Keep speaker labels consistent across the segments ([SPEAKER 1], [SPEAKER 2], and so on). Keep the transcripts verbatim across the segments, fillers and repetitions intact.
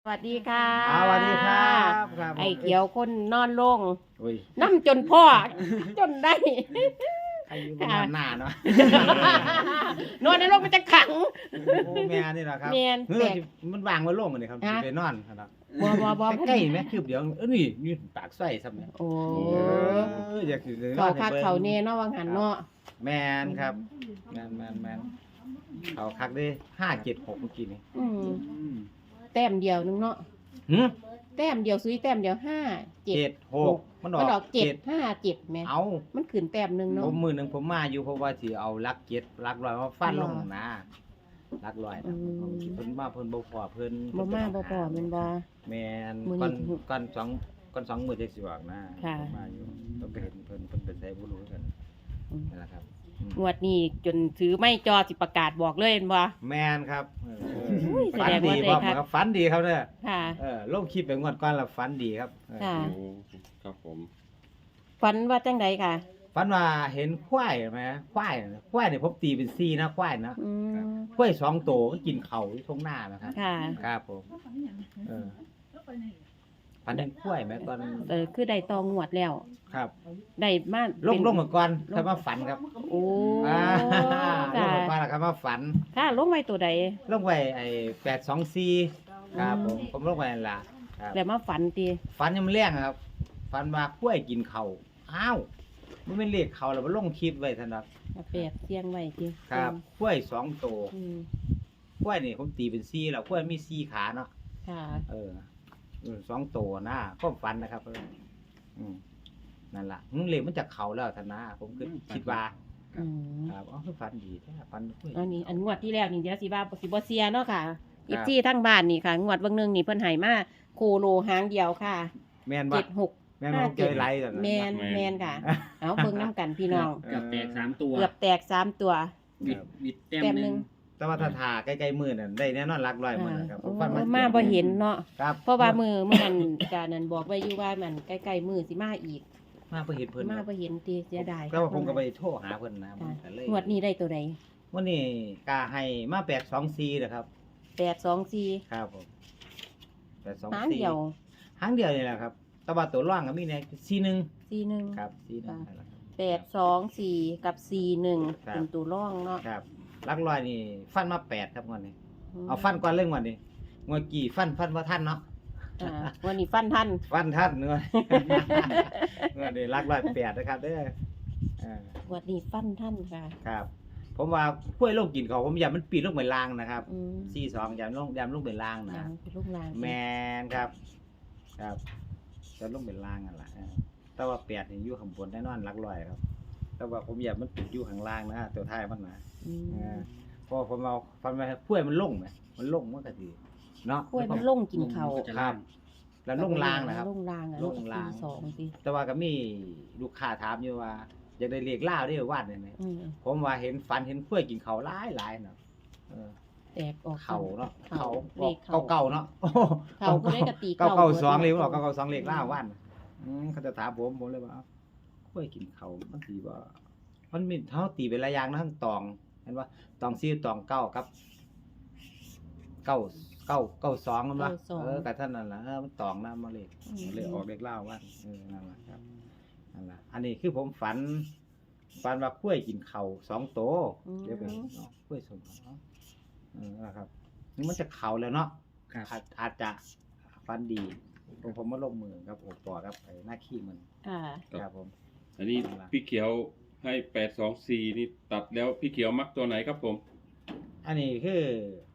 [SPEAKER 1] สวัสดีค่ะ
[SPEAKER 2] อ่าสวัสดีครับครับ
[SPEAKER 1] ไอ้เขียวคนนอนลง
[SPEAKER 2] อุ้ย
[SPEAKER 1] น้ำจนพ่อ จนได้
[SPEAKER 2] ใครอยู่บนนอนหน้าเนาะ
[SPEAKER 1] นอนในโรงมันจะขัง
[SPEAKER 2] โอ้แม่นี่แหละครับ
[SPEAKER 1] แม่น
[SPEAKER 2] เฮ้
[SPEAKER 1] แปล
[SPEAKER 2] ย
[SPEAKER 1] ก
[SPEAKER 2] มันวางไว้โล่งมันนี่ครับ
[SPEAKER 1] ฮะ
[SPEAKER 2] สิไปนอนครับ
[SPEAKER 1] บ่บ่บ่
[SPEAKER 2] ใกล้ๆไหมคืบเดียวเออนี่นี่ปากไส้ซ้ำเนี่ย
[SPEAKER 1] โอ้
[SPEAKER 2] เอออยากสิเลยน
[SPEAKER 1] เขา
[SPEAKER 2] อนให้
[SPEAKER 1] คัก
[SPEAKER 2] บิ่ง
[SPEAKER 1] เขาเน่เนาะวังหันเนาะ
[SPEAKER 2] แมนครับแมนแมนแมนเขาคักได้ห้าเจ็ดหกเมื่อกี้นี่
[SPEAKER 1] อืมแต้มเดียวนึงเนาะ
[SPEAKER 2] หืม
[SPEAKER 1] แต้มเดียวซุยแต้มเดียวห้าเจ็ด
[SPEAKER 2] เจ็ดหกมันอ
[SPEAKER 1] มันอ
[SPEAKER 2] อ
[SPEAKER 1] อก กเจ็
[SPEAKER 2] เจ็
[SPEAKER 1] ด
[SPEAKER 2] ด
[SPEAKER 1] ห้าเจ็ดแหม่
[SPEAKER 2] เอา
[SPEAKER 1] มันขึ้นแต้มหนึง
[SPEAKER 2] ผ
[SPEAKER 1] เนาะ
[SPEAKER 2] มมือหนึ่งผมมาอยู่เพราะว่าสิเอาลักเจ็ดลักลอยมาฟันลงนะลักลอยนะเพิ่นมาเพิ่นบ่พอเพิ่น
[SPEAKER 1] บ่มาบ่พอแม่นบ่
[SPEAKER 2] แม่น
[SPEAKER 1] มื้อ
[SPEAKER 2] ก่อน
[SPEAKER 1] นี้
[SPEAKER 2] ก่อนสองก่อนสองมื้อจักสิออกนะ
[SPEAKER 1] ค่ะ
[SPEAKER 2] ผมมาอยู่ต้องไปเห็นเพิ่นเพิ่นเป็นไสบ่รู้กัน
[SPEAKER 1] อืม
[SPEAKER 2] นั่นแหละครับอืม
[SPEAKER 1] งวดนี้จนถือไม่จอสิประกาศบอกเลยเห็นบ่
[SPEAKER 2] แม่นครับเออเออ
[SPEAKER 1] อุ้ย
[SPEAKER 2] ฝัน
[SPEAKER 1] แสดง
[SPEAKER 2] ดี
[SPEAKER 1] ว่าได้
[SPEAKER 2] บ่
[SPEAKER 1] ครับ
[SPEAKER 2] ครับฝันดีครับเด้อ
[SPEAKER 1] ค่ะ
[SPEAKER 2] เออลงคลิปไปงวดก่อนแล้วฝันดีครับเออ
[SPEAKER 1] ค่ะ
[SPEAKER 3] โอ้ครับผม
[SPEAKER 1] ฝันว่าจังใดค่ะ
[SPEAKER 2] ฝันว่าเห็นควายไหมควายน่ะควายนี่ผมตีเป็นสี่นะควายนะ
[SPEAKER 1] อืม
[SPEAKER 2] ควายสองตัวมันกินเขาอยู่ตรงหน้านะครับ
[SPEAKER 1] ค่ะ
[SPEAKER 2] ครับผมเออฝันเห็นควายไหมก่อน
[SPEAKER 1] เออคือได้ตองงวดแล้ว
[SPEAKER 2] ครับ
[SPEAKER 1] ได้มา
[SPEAKER 2] ลง
[SPEAKER 1] เป็น
[SPEAKER 2] ลงมาก่อนค่อยมาฝันครับ
[SPEAKER 1] โอ้
[SPEAKER 2] อ่าล
[SPEAKER 1] ค่ะ
[SPEAKER 2] งมาก่อนแล้วค่อยมาฝัน
[SPEAKER 1] ค่ะลงไว้ตัวใด
[SPEAKER 2] ลงไว้ไอ้แปดสองสี่ครับผมผมลงไว้นั่นล่ะครับ
[SPEAKER 1] แล้วมาฝันตี
[SPEAKER 2] ฝันยังมันแรงครับฝันว่าควายกินเขาอ้าวมันเป็นเลขเขาแล้วมันลงคลิปไว้ท่านครับ
[SPEAKER 1] มาแปดเสียงไว้ตี
[SPEAKER 2] ครับควายสองตัว
[SPEAKER 1] อืม
[SPEAKER 2] ควายนี่ผมตีเป็นสี่แล้วควายมีสี่ขาเนาะ
[SPEAKER 1] ค่ะ
[SPEAKER 2] เออเออสองตัวนะก็ฝันนะครับเอออืมนั่นล่ะมึงเลขมันจากเขาแล้วท่านนะผมคือคิดว่า
[SPEAKER 1] อืม
[SPEAKER 2] ครับอ๋อคือฝันดีแท้ฝันควาย
[SPEAKER 1] อันนี้อันงวดที่แล้วนี่เดี๋ยวสิว่าสิบ่เสียเนาะค่ะ
[SPEAKER 2] ครับ
[SPEAKER 1] อีกที่ทั้งบ้านนี่ค่ะ งวดเบิ่งหนึงนี่เพิ่นให้มาโคโลหางเดียวค่ะ
[SPEAKER 2] แม่นว่า
[SPEAKER 1] เจ็ดหก
[SPEAKER 2] แม่นว่าผมเจอไรตอนนั้น
[SPEAKER 1] แมนแมนค่ะ เอาเบิ่งน้ำกันพี่น้อง
[SPEAKER 4] เกือบแตกสามตัว
[SPEAKER 1] เกือบแตกสามตัว
[SPEAKER 4] บิดบิดแต้ม
[SPEAKER 1] แต้ม
[SPEAKER 4] ห
[SPEAKER 1] หนึ่
[SPEAKER 4] นึ่
[SPEAKER 1] ง
[SPEAKER 4] ง
[SPEAKER 2] แต่ว่าถ้าทาใกล้ๆมือนั่นได้แน่นอนรักร้อยมือนะครับ
[SPEAKER 1] โอ้
[SPEAKER 2] ฝัน
[SPEAKER 1] มาบ่เห็นเนาะ
[SPEAKER 2] ครับ
[SPEAKER 1] เพราะว่ามือมื่อนั้นการนั้นบอกไว้อยู่ว่ามันใกล้ๆมือสิมาอีก
[SPEAKER 2] มาบ่เห็นเพิ่น
[SPEAKER 1] มาบ่เห็นตีเสียดาย
[SPEAKER 2] แต่ว่าผมก็ไปโทรหาเพิ่นนะมันก็เลย
[SPEAKER 1] งวดนี้ได้ตัวใด
[SPEAKER 2] วันนี้กาให้มาแปดสองสี่นะครับ
[SPEAKER 1] แปดสองสี่
[SPEAKER 2] ครับผมแปดสอง
[SPEAKER 1] หาง
[SPEAKER 2] สี่
[SPEAKER 1] เดียว
[SPEAKER 2] หางเดียวนี่แหละครับแต่ว่าตัวร่างก็มีเนี่ยสี่หนึ่ง
[SPEAKER 1] สี่หนึ่ง
[SPEAKER 2] ครับสี่หนึ่ง
[SPEAKER 1] ค่ะ
[SPEAKER 2] นั่นแหละครับ
[SPEAKER 1] แปดสองสี่กับสี่หนึ่ง
[SPEAKER 2] ครับ
[SPEAKER 1] เป็นตัวร่องเนาะ
[SPEAKER 2] ครับรักร้อยนี่ฟันมาแปดครับงวดนี้เอาฟันก่อนเรื่องวันนี้งวดกี่ฟันฟันว่าท่านเนาะ
[SPEAKER 1] อ่าวันนี้ฟันทัน
[SPEAKER 2] ฟันท่านเนื้อ งวดนี้รักร้อยแปดนะครับเด้ออ่า
[SPEAKER 1] วันนี้ฟันทันค่ะ
[SPEAKER 2] ครับ ผมว่าห้วยลงกินเขาผมอยากมันปีนลงไปล่างนะครับ
[SPEAKER 1] อืม
[SPEAKER 2] สี่สองอยากลงอยากลงไปล่างนะ
[SPEAKER 1] ยังเป็นลูกลาง
[SPEAKER 2] แมนครับ ครับจะลงเป็นล่างกันล่ะเออแต่ว่าแปดนี่อยู่ข้างบนแน่นอนหลักร้อยครับ แต่ว่าผมอยากมันติดอยู่ข้างล่างนะตัวท้ายมันนะ
[SPEAKER 1] อืม
[SPEAKER 2] เออเพราะผมเอาฟันมาห้วยมันลงไหมมันลงมันก็ดีเนาะ
[SPEAKER 1] กล้วยมันลงกินเขา
[SPEAKER 4] ก็จะ
[SPEAKER 2] ครั
[SPEAKER 4] ล่า
[SPEAKER 2] บ
[SPEAKER 4] ง
[SPEAKER 2] แล้วลงล่างนะครับ
[SPEAKER 1] ลงลางอะ
[SPEAKER 2] ลงล่าง
[SPEAKER 1] สี่สองสิ
[SPEAKER 2] แต่ว่าก็มีลูกค้าถามอยู่ว่าอยากได้เรียกล่าวได้วาดได้ไหม
[SPEAKER 1] อืม
[SPEAKER 2] ผมว่าเห็นฟันเห็นห้วยกินเขาหลายหลายๆเนาะเออ
[SPEAKER 1] แตกออก
[SPEAKER 2] เขาเนาะ
[SPEAKER 1] เขา
[SPEAKER 2] เขา
[SPEAKER 1] เลข
[SPEAKER 2] เก่าเก่าๆเนาะ
[SPEAKER 1] เขาก็ได้กระตี
[SPEAKER 2] เก่า
[SPEAKER 1] เก่า
[SPEAKER 2] เก่า
[SPEAKER 1] บิด
[SPEAKER 2] สองเลยผมบอก
[SPEAKER 1] เนาะ
[SPEAKER 2] เก่าเก่าสองเลขล่าวันอืมเขาจะถามผมผมเลยว่าเอ้าข้วยกินเขามันตีว่ามันมีเท่าตีเป็นระยางนะทั้งตองเห็นว่าตองซีตองเก้าครับเก้าเก้าเก้าสองมันวะเออกับท่านนั่นแหละเออมันตองนะมาเลยเลยออกเลขล่าวันเออนั่นแหละครับนั่นแหละอันนี้คือผมฝันฝันว่าข้วยกินเขาสองโตวเดี๋ยวไปเนาะข้วยสมเนาะเออนะครับนี่มันจะเข่าแล้วเนาะ
[SPEAKER 4] ครับ
[SPEAKER 2] อาจอาจจะฟันดีผมผมมาลงมือครับผมต่อครับไอ้หน้าขี้มัน
[SPEAKER 1] ค่ะ
[SPEAKER 2] ครับผม
[SPEAKER 3] อันนี้พี่เขียวให้แปดสองสี่นี่ตัดแล้วพี่เขียวมักตัวไหนครับผม
[SPEAKER 2] อันนี้คือ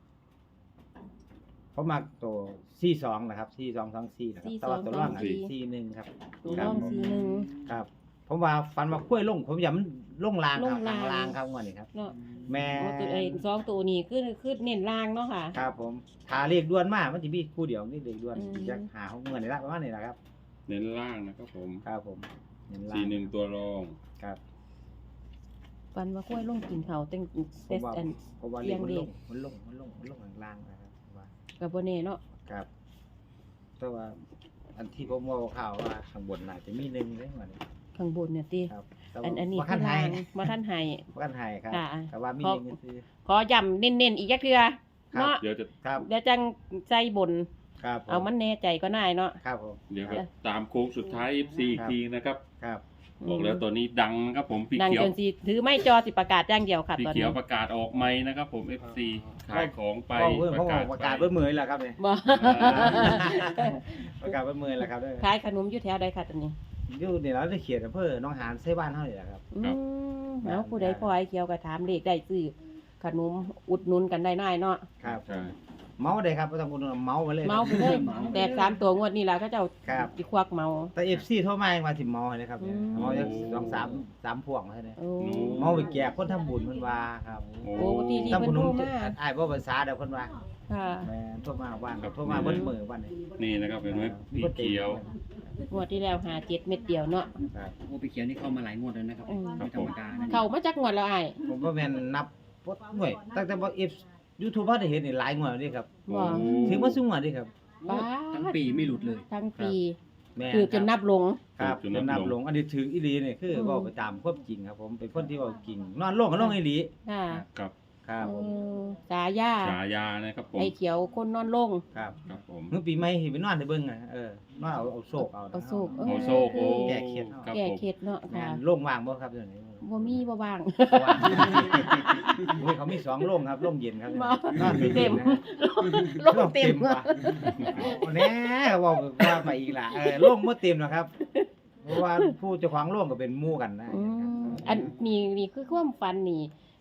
[SPEAKER 2] ผมมักตัวสี่สองนะครับสี่สองสองสี่นะครับแต่ว่าตัวร่างอันสี่หนึ่งครับ
[SPEAKER 1] ตัวร่องสีหนึ่ง
[SPEAKER 2] ครับ ผมว่าฟันว่าคุ้วยลง ผมอยากมันลงลางครับ
[SPEAKER 1] ลงลาง
[SPEAKER 2] ลางครับวันนี้ครับ
[SPEAKER 1] เนาะ
[SPEAKER 2] แม่
[SPEAKER 1] โอ้ตัวไอ้สองตัวนี้คือคือเน้นล่างเนาะค่ะ
[SPEAKER 2] ครับผมหาเลขด่วนมากมันจะมีคู่เดียวนี่เลขด่วน
[SPEAKER 1] อืม
[SPEAKER 2] จะหาของเงินนี่ละประมาณนี้แหละครับ
[SPEAKER 3] เน้นล่างนะครับผม
[SPEAKER 2] ครับผมเน้นล่าง
[SPEAKER 3] สี่หนึ่งตัวรอง
[SPEAKER 2] ครับ
[SPEAKER 1] ฟันว่ากล้วยลงกินเขาเต็ง
[SPEAKER 2] ผ
[SPEAKER 1] เต็
[SPEAKER 2] มว่า
[SPEAKER 1] อัน
[SPEAKER 2] ผมว่า
[SPEAKER 1] เรี
[SPEAKER 2] เรีย
[SPEAKER 1] ย
[SPEAKER 2] ก
[SPEAKER 1] ง
[SPEAKER 2] มัน
[SPEAKER 1] เล
[SPEAKER 2] ล
[SPEAKER 1] ข
[SPEAKER 2] งมันลงมันลงมันลงข้างล่างนะครับว่า
[SPEAKER 1] กับโบเน่เนาะ
[SPEAKER 2] ครับแต่ว่าอันที่ผมว่าข่าวว่าข้างบนน่าจะมีหนึ่งเลยมัน
[SPEAKER 1] ข้างบนเนี่ยตี
[SPEAKER 2] ครับแต่
[SPEAKER 1] อั
[SPEAKER 2] ว่าน
[SPEAKER 1] อันนี้
[SPEAKER 2] ว่า
[SPEAKER 1] คื
[SPEAKER 2] ขั้
[SPEAKER 1] อน
[SPEAKER 2] ไท
[SPEAKER 1] ล่าย งมาท่านไห้
[SPEAKER 2] ว่าขั้นไทยครับ
[SPEAKER 1] ค่ะ
[SPEAKER 2] แต่ว่ามี
[SPEAKER 1] เพราะ
[SPEAKER 2] หนึ่งก็คือ
[SPEAKER 1] ขอย้ำเน้นๆอีกจักเทื่อ
[SPEAKER 2] ครับ
[SPEAKER 1] เนาะ
[SPEAKER 3] เดี๋ยวจะ
[SPEAKER 2] ครับ
[SPEAKER 1] เดี๋ยวจังใจบน
[SPEAKER 2] ครับผ
[SPEAKER 1] เอามันแน่ใจก็ได้เนาะ
[SPEAKER 2] ครับผม
[SPEAKER 3] เดี๋ยวก็ตามโค้งสุดท้าย เอฟ ซี อีกทีนะครับ
[SPEAKER 2] ครับ
[SPEAKER 3] บอกแล้วตัวนี้ดังนะครับผมพี่
[SPEAKER 1] ดัง
[SPEAKER 3] เขียว
[SPEAKER 1] จนสิถือไม่จอสิประกาศอย่างเดียวค่ะ
[SPEAKER 3] พี่
[SPEAKER 1] ตอน
[SPEAKER 3] เขีย
[SPEAKER 1] นี้
[SPEAKER 3] วประกาศออกไม้นะครับผม เอฟ ซี ขายของไป
[SPEAKER 2] พ่อเพื่อน
[SPEAKER 3] ป
[SPEAKER 2] พ่อ
[SPEAKER 3] ระกาศ
[SPEAKER 2] ประกาศ
[SPEAKER 3] ไป
[SPEAKER 2] เบิ้มือแหละครับเนี่ย
[SPEAKER 1] บ่
[SPEAKER 2] ประกาศเบิ้มือแหละครับเด้อ
[SPEAKER 1] ขายขนมอยู่แถวใดค่ะตอนนี้
[SPEAKER 2] อยู่นี่เราได้เขียนอำเภอหน้องหานใส่บ้านเฮานี่แหละครับ
[SPEAKER 1] อืมเอาผู้ใดพอไอ้เขียวก็ถามเลขได้ซื้อขนมอุดหนุนกันได้ง่ายเนาะ
[SPEAKER 2] ครับ
[SPEAKER 3] ใช่
[SPEAKER 2] เมาได้ครับบ่ต้องพูดเมาไปเลย
[SPEAKER 1] เมาไปเลยแตกสามตัวงวดนี้ล่ะก็เจ้า
[SPEAKER 2] ครับ
[SPEAKER 1] สิควักเมา
[SPEAKER 2] แต่ เอฟ ซี โทรมาว่าสิเมาให้เลยครับเนี่ย
[SPEAKER 1] อืม
[SPEAKER 2] เมาจักสองสามสามพวงเท่านั้น
[SPEAKER 1] โอ้
[SPEAKER 2] เมาไปแก่คนทำบุญเพิ่นว่าครับ
[SPEAKER 3] โอ้
[SPEAKER 1] โอ้ที่ที่
[SPEAKER 2] ทำ
[SPEAKER 1] เพิ่
[SPEAKER 2] บุ
[SPEAKER 1] น
[SPEAKER 2] ญ
[SPEAKER 1] โทร
[SPEAKER 2] นุ่
[SPEAKER 1] มา
[SPEAKER 2] อ้ายบ่ภาษาเด้อเพิ่นว่า
[SPEAKER 1] ค่ะ
[SPEAKER 2] แม่นโทรมาว่าน
[SPEAKER 3] ครับ
[SPEAKER 2] โทรมาเบิ้มือวันนี้
[SPEAKER 3] นี่นะครับเห็นไหมพี่เขียว
[SPEAKER 1] งวดที่แล้วหาเจ็ดเม็ดเดียวเนาะ
[SPEAKER 2] ครับ
[SPEAKER 4] โอ้พี่เขียวนี่เข้ามาหลายงวดแล้วนะครับ
[SPEAKER 1] อืม
[SPEAKER 4] ไม่ธรรมดานะ
[SPEAKER 1] เข้ามาจักงวดแล้วอ้าย
[SPEAKER 2] ผมว่าแม่นนับบ่หน่วยตั้งแต่บ่ F YouTube บ่ได้เห็นนี่หลายงวดแล้วนี่ครับ
[SPEAKER 1] บ่
[SPEAKER 2] ถือว่าสูงกว่านี่ครับ
[SPEAKER 1] ป๊าด
[SPEAKER 4] ทั้งปีไม่หลุดเลย
[SPEAKER 1] ทั้งปี
[SPEAKER 2] แม่น
[SPEAKER 1] คือจนนับลง
[SPEAKER 2] ครับ
[SPEAKER 3] จ
[SPEAKER 2] จ
[SPEAKER 3] น
[SPEAKER 2] น
[SPEAKER 3] นั
[SPEAKER 2] นั
[SPEAKER 3] บบ ล
[SPEAKER 2] ล
[SPEAKER 3] ง
[SPEAKER 2] งอันนี้ถืออีหลีนี่คือ
[SPEAKER 1] อืม
[SPEAKER 2] เว้าไปตามความจริงครับผมเป็นคนที่เว้าจริงนอนลงก็ลงอีหลี
[SPEAKER 1] ค่ะ
[SPEAKER 3] ครับ
[SPEAKER 2] ครับผม
[SPEAKER 1] เออสายา
[SPEAKER 3] ฉายานะครับผม
[SPEAKER 1] ไอ้เขียวคนนอนลง
[SPEAKER 2] ครับ
[SPEAKER 3] ครับผม
[SPEAKER 2] เมื่อปีใหม่เห็นไปนอนได้เบิ่งอ่ะเออนอนเอาเอาโศกเอานะ
[SPEAKER 1] เอาโศก
[SPEAKER 3] โอโซโอ
[SPEAKER 2] แก้เครียด
[SPEAKER 3] ครับ
[SPEAKER 1] แก้
[SPEAKER 3] ผม
[SPEAKER 1] เคล็ดเนาะ
[SPEAKER 2] แม่
[SPEAKER 1] ค่ะ
[SPEAKER 2] นโรงว่างบ่ครับเดี๋ยวนี้
[SPEAKER 1] บ่มีบ่ว่าง
[SPEAKER 2] ว่างโอ้ยเขามีสองโรงครับโรงเย็นครับ
[SPEAKER 1] บ่
[SPEAKER 2] นอนเป็น
[SPEAKER 1] เต็ม
[SPEAKER 2] นะ
[SPEAKER 1] ลงเต็ม
[SPEAKER 2] ว่ะโอ้แน่เว้าว่าไปอีกล่ะเออโรงบ่เต็มหรอกครับเพราะว่าผู้เจ้าของโรงก็เป็นหมู่กันนะ
[SPEAKER 1] อืมอันนี้นี่คือความฝันนี่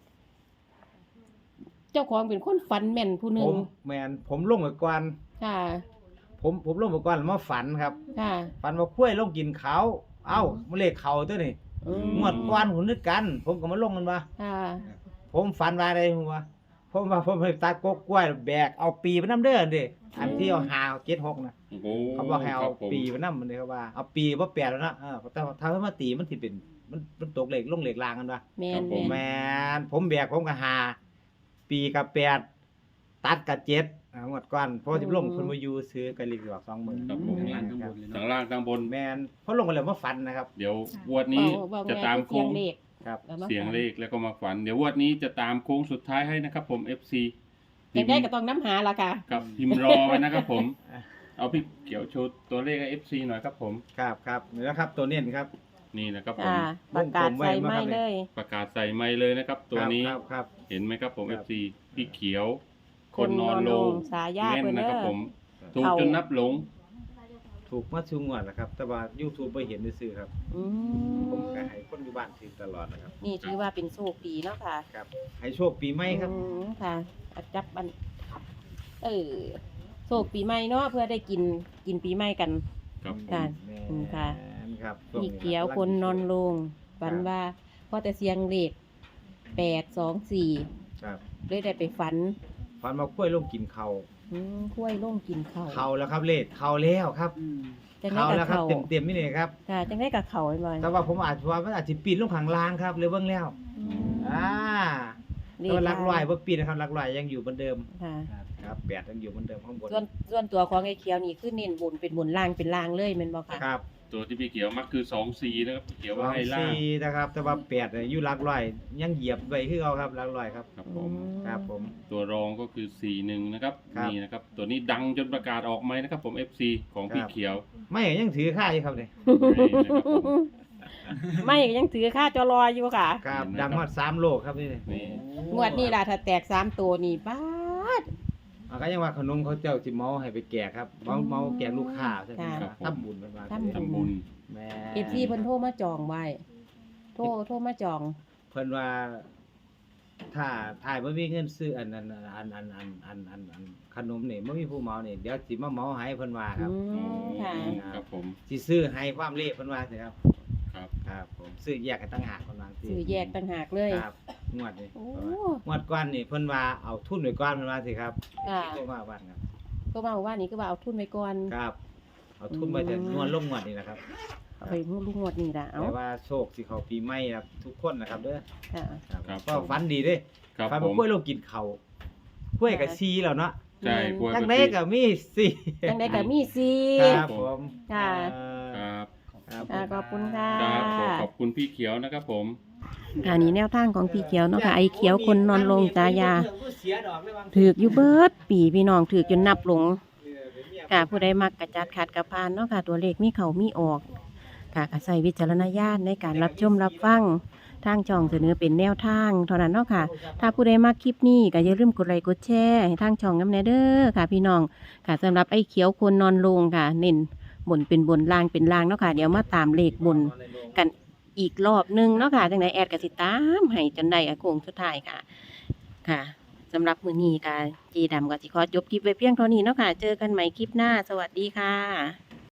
[SPEAKER 1] เจ้าของเป็นคนฝันแม่นผู้หนึ
[SPEAKER 2] ผ
[SPEAKER 1] ง
[SPEAKER 2] มแม่นผมลงไปก่อน
[SPEAKER 1] ค่ะ
[SPEAKER 2] ผมผมลงไปก่อนแล้วมาฝันครับ
[SPEAKER 1] ค่ะ
[SPEAKER 2] ฝันว่าคุ้วยลงกินเขาวเอ้ามาเลขเขาตัวนี่
[SPEAKER 1] อืม
[SPEAKER 2] งวดก่อนหุ่นนึกกัน ผมก็มาลงมันว่า
[SPEAKER 1] ค่ะ
[SPEAKER 2] ผมฝันว่าอะไรผมว่าผมว่าผมไปตัดกกกล้วยแบกเอาปีไปน้ำเด้อเด้อันที่เอาหาเจ็ดหกนะ
[SPEAKER 3] โอ้โห
[SPEAKER 2] เขาบอกให้เอา
[SPEAKER 3] ครับผม
[SPEAKER 2] ปีไปน้ำมันเลยเขาว่าเอาปีว่าแปดแล้วนะเออแต่ถ้าเขามาตีมันสิเป็นมันมันตกเหล็กลงเหล็กลางกันวะ
[SPEAKER 1] แม่
[SPEAKER 3] ครั
[SPEAKER 1] น
[SPEAKER 3] บผม
[SPEAKER 1] แม่น
[SPEAKER 2] แมนผมแบกผมก็หาปีกับแปดตัดกับเจ็ดอ่างวดก่อนเพราะว่าที่ลงเพิ่นมาอยู่ซื้อกันลีกดอกสองหมื่น
[SPEAKER 3] ครับผม
[SPEAKER 4] ข้างล่างข้างบนเลย
[SPEAKER 3] ข้า
[SPEAKER 4] เนาะ
[SPEAKER 3] งล่างข้างบน
[SPEAKER 2] แมนเพราะลงกันแล้วมาฟันนะครับ
[SPEAKER 3] เดี๋ยวงวดนี้
[SPEAKER 1] เว้าเว้า
[SPEAKER 3] จะ
[SPEAKER 1] แม่
[SPEAKER 3] ตาม
[SPEAKER 1] คือเสี
[SPEAKER 3] โค้
[SPEAKER 1] ยง
[SPEAKER 3] ง
[SPEAKER 1] เลข
[SPEAKER 2] ครับ
[SPEAKER 1] แล้วมา
[SPEAKER 3] เสียง
[SPEAKER 1] ฝัน
[SPEAKER 3] เลขแล้วก็มาฝัน เดี๋ยวงวดนี้จะตามโค้งสุดท้ายให้นะครับผม เอฟ ซี
[SPEAKER 1] จังได้ก็ต้องน้ำหาล่ะค่ะ
[SPEAKER 3] กับพิมพ์รอไว้นะครับผม เอาพี่เกี่ยวโชว์ตัวเลขให้ เอฟ ซี หน่อยครับผม
[SPEAKER 2] ครับครับนี่นะครับตัวเน้นครับ
[SPEAKER 3] นี่นะครับผม
[SPEAKER 1] ค่ะ ประกาศใส่ไม้เลย
[SPEAKER 3] ประกาศใส่ไม้เลยนะครับ ตัวนี้
[SPEAKER 2] ครับครับ
[SPEAKER 3] เห็นไหมครับผม
[SPEAKER 2] ค
[SPEAKER 3] เอ
[SPEAKER 2] รับ
[SPEAKER 3] ฟ ซี พี่เขียว
[SPEAKER 1] ค
[SPEAKER 3] คน น
[SPEAKER 1] น
[SPEAKER 3] น
[SPEAKER 1] อ
[SPEAKER 3] อน น
[SPEAKER 1] ล
[SPEAKER 3] ล
[SPEAKER 1] ง
[SPEAKER 3] ง
[SPEAKER 1] สายา
[SPEAKER 3] แม่น
[SPEAKER 1] เพิ่น
[SPEAKER 3] นะ
[SPEAKER 1] เด้
[SPEAKER 3] ครับ
[SPEAKER 1] อ
[SPEAKER 3] ผม ถูก
[SPEAKER 1] เขา
[SPEAKER 3] จนนับหลง
[SPEAKER 2] ถูกมาชูงวดนะครับ แต่ว่า YouTube ไปเห็นซื่อๆครับ
[SPEAKER 1] อื
[SPEAKER 2] ผม
[SPEAKER 1] ม
[SPEAKER 2] ก็ให้คนอยู่บ้านถือตลอดนะครับ
[SPEAKER 1] นี่ถือว่าเป็นโชคดีเนาะค่ะ
[SPEAKER 2] ครับ ให้โชคปีใหม่ครับ
[SPEAKER 1] อืมค่ะอาจับบันเออโชคปีใหม่เนาะเพื่อได้กินกินปีใหม่กัน
[SPEAKER 3] ครับผม
[SPEAKER 1] ค่ะ
[SPEAKER 2] แม่
[SPEAKER 1] อืมค่ะ
[SPEAKER 2] นครับช่วง
[SPEAKER 1] มี
[SPEAKER 2] นี้
[SPEAKER 1] เขียวคนนอนลงฝันว่าพอแต่เสียงเลขแปดสองสี่
[SPEAKER 2] ครับ
[SPEAKER 1] เลยได้ไปฝัน
[SPEAKER 2] ฟันมาคุ้วยลงกินเขา
[SPEAKER 1] อืมคุ้วยล่งกินข้าว
[SPEAKER 2] เขาแล้วครับเลขเขาแล้วครับ
[SPEAKER 4] อืม
[SPEAKER 1] จังได้
[SPEAKER 2] เขา
[SPEAKER 1] กับ
[SPEAKER 2] แล้วครับ
[SPEAKER 1] เขา
[SPEAKER 2] เต็มๆนี่เลยครับ
[SPEAKER 1] ค่ะจังได้กับเขาไอ้บอย
[SPEAKER 2] แต่ว่าผมอาจว่ามันอาจจะปีนลงข้างล่างครับหรือเบื้องแล้ว
[SPEAKER 1] อืม
[SPEAKER 2] อ่า
[SPEAKER 1] เล
[SPEAKER 2] แต่
[SPEAKER 1] ข
[SPEAKER 2] ว่าหลักร้อยบ่ปีนนะครับหลักร้อยยังอยู่เหมือนเดิม
[SPEAKER 1] ค่ะ
[SPEAKER 2] ครับแปดยังอยู่เหมือนเดิมข้างบน
[SPEAKER 1] ส่วนส่วนตัวของไอ้เขียวนี่คือเน้นบนเป็นบนล่างเป็นล่างเลยแม่นบ่ค่ะ
[SPEAKER 2] ครับ
[SPEAKER 3] ตัวที่พี่เขียวมักคือสองซีนะครับพี่เขียว
[SPEAKER 2] ส
[SPEAKER 3] ว่า
[SPEAKER 2] อง
[SPEAKER 3] ให้ล่าง
[SPEAKER 2] สี่นะครับ แต่ว่าแปดเนี่ยอยู่หลักร้อยยังเหยียบไว้คือเอาครับหลักร้อยครับ
[SPEAKER 3] ครับผม
[SPEAKER 2] ครับผม
[SPEAKER 3] ตัวรองก็คือสี่หนึ่งนะครับ
[SPEAKER 2] ครับ
[SPEAKER 3] นี่นะครับ ตัวนี้ดังจนประกาศออกไหมนะครับผม เอฟ ซี ของพี่
[SPEAKER 2] ครับ
[SPEAKER 3] เขียว
[SPEAKER 2] ไม่ยังถือค่าอยู่ครับเนี่ย
[SPEAKER 3] นี่นะครับผม
[SPEAKER 1] ไม่ยังถือค่าจอรออยู่ค่ะ
[SPEAKER 2] ครับ
[SPEAKER 3] เห็นไหม
[SPEAKER 2] ดัง
[SPEAKER 3] ครับ
[SPEAKER 2] ฮอดสามโลครับนี่
[SPEAKER 3] นี่
[SPEAKER 1] งวดนี้ล่ะถ้าแตกสามตัวนี่บ้าด
[SPEAKER 2] มันก็ยังว่าขนมเขาเจ้าสิเมาให้ไปแจกครับเมาเมาแจกลูกค้าใช่ไหม
[SPEAKER 1] ค่ะ
[SPEAKER 2] ครับทำบุญเป็นว่า
[SPEAKER 1] ทำ
[SPEAKER 3] ทำบุญ
[SPEAKER 2] แม่
[SPEAKER 1] เอฟซีเพิ่นโทรมาจองไว้โทรโทรมาจอง
[SPEAKER 2] เพิ่นว่า ถ้าถ่ายบ่มีเงินซื้ออันอันอันอันอันอันอันอันขนมนี่บ่มีผู้เมานี่เดี๋ยวสิมาเมาให้เพิ่นว่าครับ
[SPEAKER 1] อืมค่ะ
[SPEAKER 3] ครับผม
[SPEAKER 2] สิซื้อให้ความเลขเพิ่นว่าสิครับ
[SPEAKER 3] ครับ
[SPEAKER 2] ครับผมซื้อแยกกันต่างหากเพิ่นว่าสิ
[SPEAKER 1] ซื้อแยกต่างหากเลย
[SPEAKER 2] ครับงวดนี้
[SPEAKER 1] โอ้
[SPEAKER 2] งวดก่อนนี่เพิ่นว่าเอาทุนไว้ก่อนเพิ่นว่าสิครับ
[SPEAKER 1] ค่ะ
[SPEAKER 2] โทรมาว่าครับ
[SPEAKER 1] ก็มาว่านี่ก็ว่าเอาทุนไว้ก่อน
[SPEAKER 2] ครับ เอาทุนไว้แต่งวดลงงวดนี่แหละครับ
[SPEAKER 1] เอาไปมุ่งลูกงวดนี่ล่ะเอา
[SPEAKER 2] แต่ว่าโชคสิเข้าปีใหม่ครับทุกคนนะครับเด้อ
[SPEAKER 1] ค่ะ
[SPEAKER 2] ครับ
[SPEAKER 3] ครับ
[SPEAKER 2] ก็ฝันดีเด้
[SPEAKER 3] ครับ
[SPEAKER 2] ฝัน
[SPEAKER 3] ผ
[SPEAKER 2] ว่าม กล้วยลงกินเขาวกล้วยกับซีแล้วเนาะ
[SPEAKER 3] ใช่กล้วย
[SPEAKER 2] จัง
[SPEAKER 3] บ
[SPEAKER 2] ได๋
[SPEAKER 3] ชี
[SPEAKER 2] ก็มีซี
[SPEAKER 1] จังได้ก็มีซี
[SPEAKER 2] ครับผม
[SPEAKER 1] ค่ะ
[SPEAKER 2] เอ่อ
[SPEAKER 3] ครับ
[SPEAKER 2] ครับ
[SPEAKER 1] อ่าขอบคุณค่ะ
[SPEAKER 3] ครับขอขอบคุณพี่เขียวนะครับผม
[SPEAKER 1] ค่ะนี่แนวทางของพี่เขียวเนาะค่ะไอ้เขียวคนนอนลงตายา
[SPEAKER 2] เสียดอกเลยบาง
[SPEAKER 1] ถือกอยู่เบิดปีพี่น้องถือกจนนับหลง
[SPEAKER 2] เออเป็นเมีย
[SPEAKER 1] ค่ะผู้ใดมักกระจัดขัดกระพานเนาะค่ะตัวเลขมีเขามีออกค่ะก็ใส่วิจารณญาณในการรับชมรับฟังทางช่องเสนอเป็นแนวทางเท่านั้นเนาะค่ะถ้าผู้ใดมักคลิปนี้ก็อย่าลืมกดไลค์กดแชร์ให้ทางช่องน้ำแนเด้อค่ะพี่น้องค่ะสำหรับไอ้เขียวคนนอนลงค่ะเน้นบนเป็นบนล่างเป็นล่างเนาะค่ะเดี๋ยวมาตามเลขบนกันอีกรอบหนึงเนาะค่ะจังไดแอดก็สิตามให้จนได้อะโค้งสุดท้ายค่ะค่ะสำหรับมื้อนี้ค่ะจีดำก็สิขอจบคลิปไว้เพียงเท่านี้เนาะค่ะเจอกันใหม่คลิปหน้าสวัสดีค่ะ